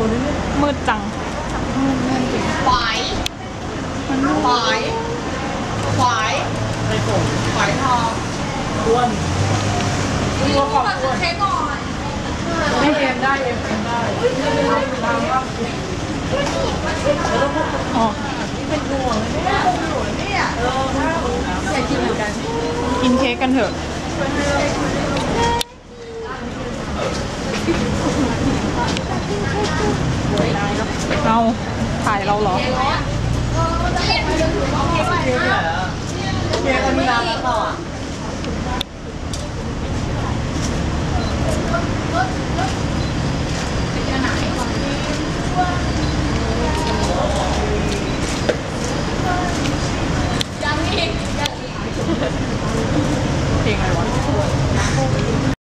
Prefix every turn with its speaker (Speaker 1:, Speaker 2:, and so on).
Speaker 1: มืดจัง
Speaker 2: หวายหวายหวายไอ้ผมหวายทองอ้วนตัวขอบอ้วนเค้กก่อนไม่เอ็มได้เอ็มได้ตามว่า
Speaker 1: อ๋อ
Speaker 2: เป็นห่วงเนี่ยห่วงเนี่ยอยากกินเหมือนกัน
Speaker 1: กินเค้กกันเถอะเราถ่ายเราเหรอ
Speaker 2: เค้กอันนี้ร้านแล้วอ่ะ